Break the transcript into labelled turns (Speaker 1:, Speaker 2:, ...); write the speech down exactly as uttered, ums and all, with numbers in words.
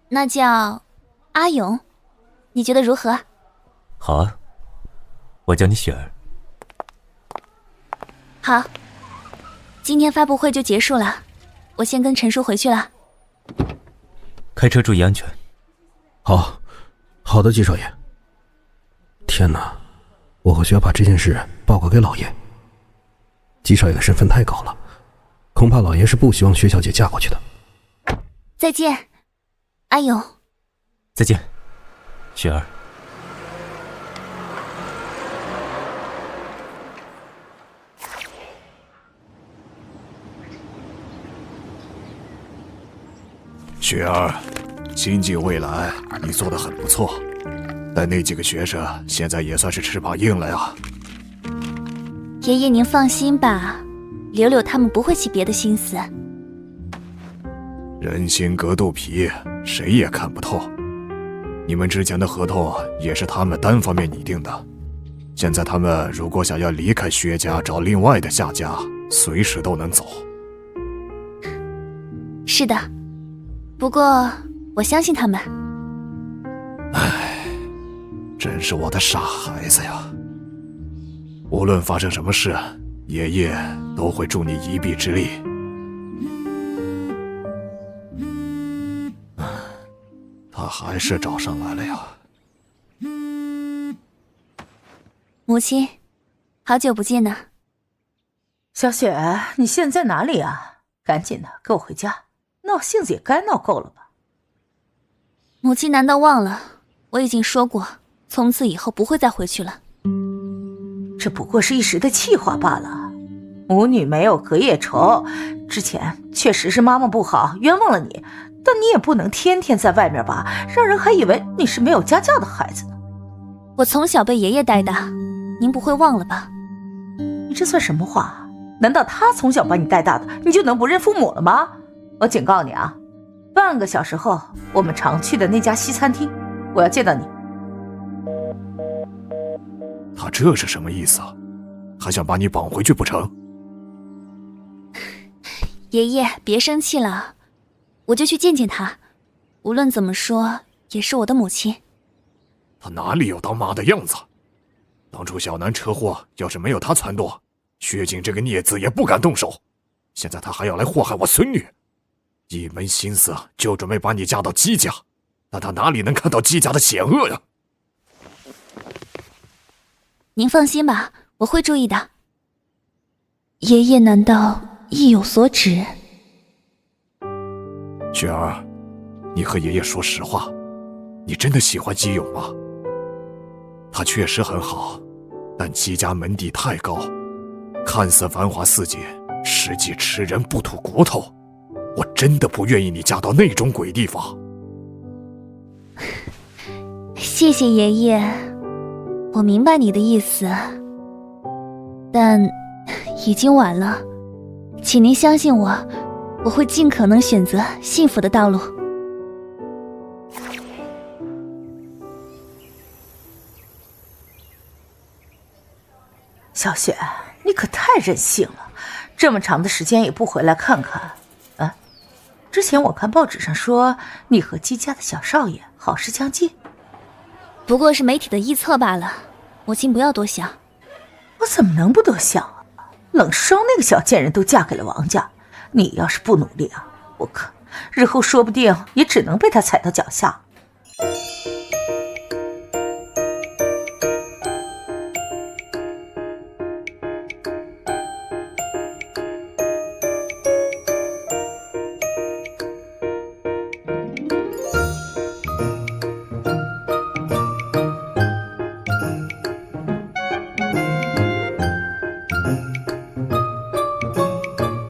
Speaker 1: 那叫阿勇，你觉得如何？
Speaker 2: 好啊，我叫你雪儿。
Speaker 1: 好，今天发布会就结束了，我先跟陈叔回去了。
Speaker 2: 开车注意安全。
Speaker 3: 好，好的，季少爷。天哪，我或许要把这件事报告给老爷。季少爷的身份太高了，恐怕老爷是不希望薛小姐嫁过去的。
Speaker 1: 再见，阿勇。
Speaker 2: 再见，雪儿。
Speaker 4: 雪儿，新晋未来，你做得很不错，但那几个学生现在也算是翅膀硬了呀。
Speaker 1: 爷爷您放心吧，柳柳他们不会起别的心思。
Speaker 4: 人心隔肚皮，谁也看不透。你们之前的合同也是他们单方面拟定的，现在他们如果想要离开薛家找另外的下家，随时都能走。
Speaker 1: 是的，不过我相信他们。
Speaker 4: 唉，真是我的傻孩子呀。无论发生什么事，爷爷都会助你一臂之力。他还是找上来了呀。
Speaker 1: 母亲，好久不见呢。
Speaker 5: 小雪，你现在哪里啊？赶紧的，跟我回家。闹性子也该闹够了吧？
Speaker 1: 母亲难道忘了？我已经说过，从此以后不会再回去了。
Speaker 5: 这不过是一时的气话罢了。母女没有隔夜仇，之前确实是妈妈不好，冤枉了你，但你也不能天天在外面吧，让人还以为你是没有家教的孩子呢。
Speaker 1: 我从小被爷爷带大，您不会忘了吧？
Speaker 5: 你这算什么话？难道他从小把你带大的，你就能不认父母了吗？我警告你啊，半个小时后我们常去的那家西餐厅，我要见到你。
Speaker 4: 他这是什么意思啊？还想把你绑回去不成？
Speaker 1: 爷爷别生气了，我就去见见他，无论怎么说也是我的母亲。
Speaker 4: 他哪里有当妈的样子？当初小南车祸要是没有他撺掇，薛景这个孽子也不敢动手，现在他还要来祸害我孙女，一门心思就准备把你嫁到姬家，但他哪里能看到姬家的险恶呀？
Speaker 1: 您放心吧，我会注意的。爷爷难道意有所指？
Speaker 4: 雪儿，你和爷爷说实话，你真的喜欢姬勇吗？他确实很好，但姬家门第太高，看似繁华似锦，实际吃人不吐骨头。我真的不愿意你嫁到那种鬼地方。
Speaker 1: 谢谢爷爷，我明白你的意思，但已经晚了，请您相信我，我会尽可能选择幸福的道路。
Speaker 5: 小雪，你可太任性了，这么长的时间也不回来看看。啊，之前我看报纸上说你和姬家的小少爷好事将近，
Speaker 1: 不过是媒体的臆测罢了，母亲不要多想。
Speaker 5: 我怎么能不多想啊？冷霜那个小贱人都嫁给了王家，你要是不努力啊，我可日后说不定也只能被他踩到脚下。